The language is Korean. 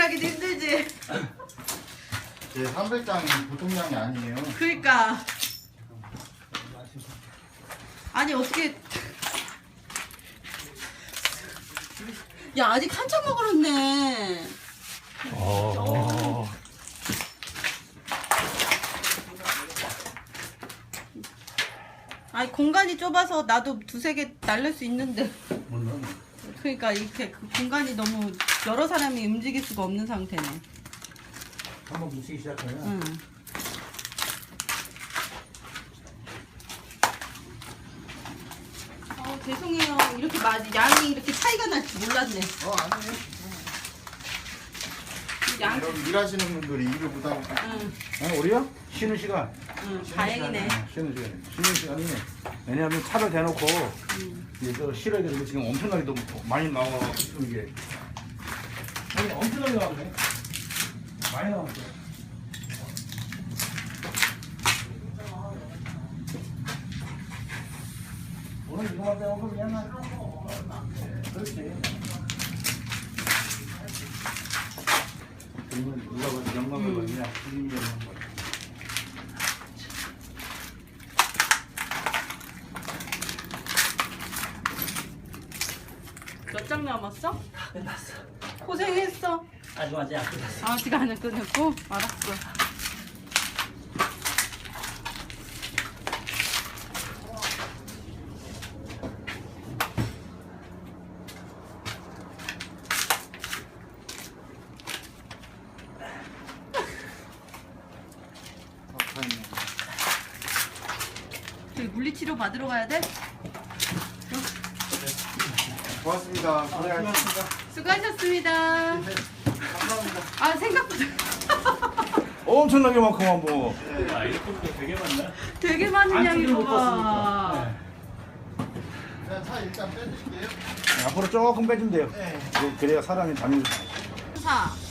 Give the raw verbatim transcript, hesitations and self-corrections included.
정리하기도 힘들지. 제 삼백 장이 보통 양이 아니에요. 그러니까. 아니 어떻게? 야 아직 한참 먹었네. 어. 아니 공간이 좁아서 나도 두세 개 날릴 수 있는데. 그러니까 이렇게 그 공간이 너무 여러 사람이 움직일 수가 없는 상태네. 한번 묻히기 시작하면. 응. 어 죄송해요. 이렇게 많이 양이 이렇게 차이가 날 줄 몰랐네. 어 아니에요. 양. 이런 일하시는 분들이 일을 못하고. 응. 어, 우리요? 쉬는 시간. 응. 다행이네. 어, 쉬는 시간. 쉬는 시간이 왜냐하면 차를 대놓고 응. 이거 실어야 되는 게 지금 엄청나게 너무 많이 나와 지금 이게. 아니 엄청나게 나왔네. 많이 나왔어요. 오늘 이거 할 때 오늘 그냥 그렇지. 그러면 누가 봐도 영광을 받냐? 주님이 영광 받냐? 몇 장 남았어? 다 끝났어. 고생했어. 아직 아직 안 끝났어. 아직 안 끝냈고? 알았어. 저기 물리치료 받으러 가야 돼? 고맙습니다. 고생하셨습니다. 수고하셨습니다. 감사합니다. 아 생각보다 엄청나게 많구만 뭐. 아 이렇게 되게 많네. 되게 많은 양이 못 봐. 봤으니까. 그냥 차 일단 빼드릴게요. 앞으로 조금 빼주면 돼요. 네. 그래야 사람이 다니는. 사.